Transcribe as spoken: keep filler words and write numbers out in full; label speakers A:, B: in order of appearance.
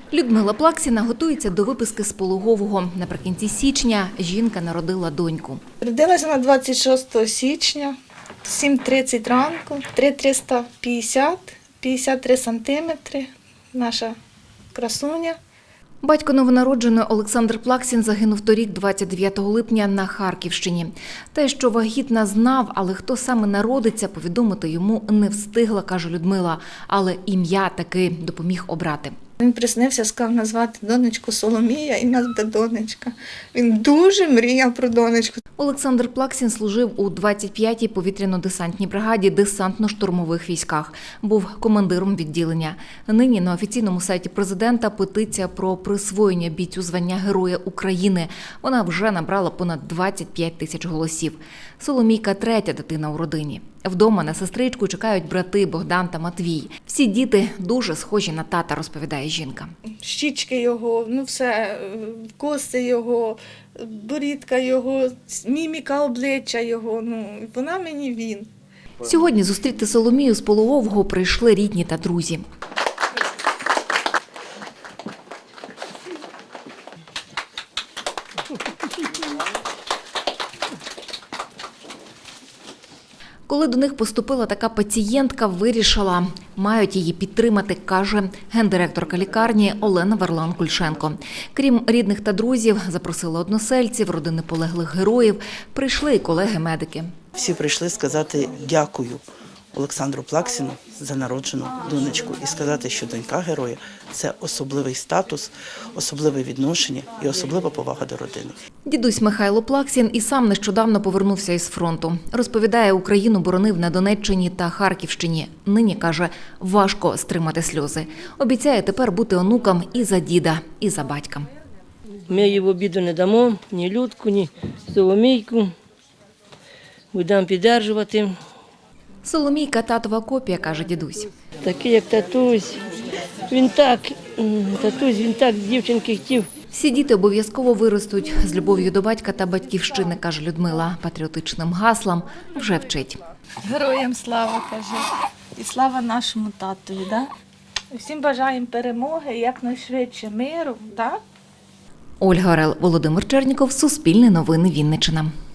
A: Людмила Плаксіна готується до виписки з пологового. Наприкінці січня жінка народила доньку.
B: Родилася на двадцять шостого січня, сім тридцять ранку, три триста п'ятдесят, п'ятдесят три сантиметри, наша красуня.
A: Батько новонародженої Олександр Плаксін загинув торік, двадцять дев'ятого липня, на Харківщині. Те, що вагітна, знав, але хто саме народиться, повідомити йому не встигла, каже Людмила. Але ім'я таки допоміг обрати.
B: Він приснився, сказав назвати донечку Соломія, і в нас буде донечка. Він дуже мріяв про донечку.
A: Олександр Плаксін служив у двадцять п'ятій повітряно-десантній бригаді десантно-штурмових військах. Був командиром відділення. Нині на офіційному сайті президента петиція про присвоєння бійцю звання Героя України. Вона вже набрала понад двадцять п'ять тисяч голосів. Соломійка – третя дитина у родині. Вдома на сестричку чекають брати Богдан та Матвій. Всі діти дуже схожі на тата, розповідає жінка.
B: Щічки його, ну все, коси його, борідка його, міміка обличчя його, ну вона мені він.
A: Сьогодні зустріти Соломію з пологового прийшли рідні та друзі. Коли до них поступила така пацієнтка, вирішила, мають її підтримати, каже гендиректорка лікарні Олена Варлан-Кульшенко. Крім рідних та друзів, запросила односельців, родини полеглих героїв, прийшли і колеги-медики.
C: Всі прийшли сказати дякую Олександру Плаксіну за народжену донечку і сказати, що донька героя – це особливий статус, особливе відношення і особлива повага до родини.
A: Дідусь Михайло Плаксін і сам нещодавно повернувся із фронту. Розповідає, Україну боронив на Донеччині та Харківщині. Нині, каже, важко стримати сльози. Обіцяє тепер бути онукам і за діда, і за батька.
D: Ми їй в обіду не дамо, ні Людку, ні Соломійку. Будемо підтримувати.
A: Соломійка – татова копія, каже дідусь.
D: Такий, як татусь. Він так, татусь, він так дівчинки хотів.
A: Всі діти обов'язково виростуть з любов'ю до батька та батьківщини, каже Людмила. Патріотичним гаслам вже вчить.
B: Героям слава, каже, і слава нашому татові, да? Всім бажаємо перемоги, якнайшвидше миру, так?
A: Ольга Орел, Володимир Черніков, Суспільне новини, Вінниччина.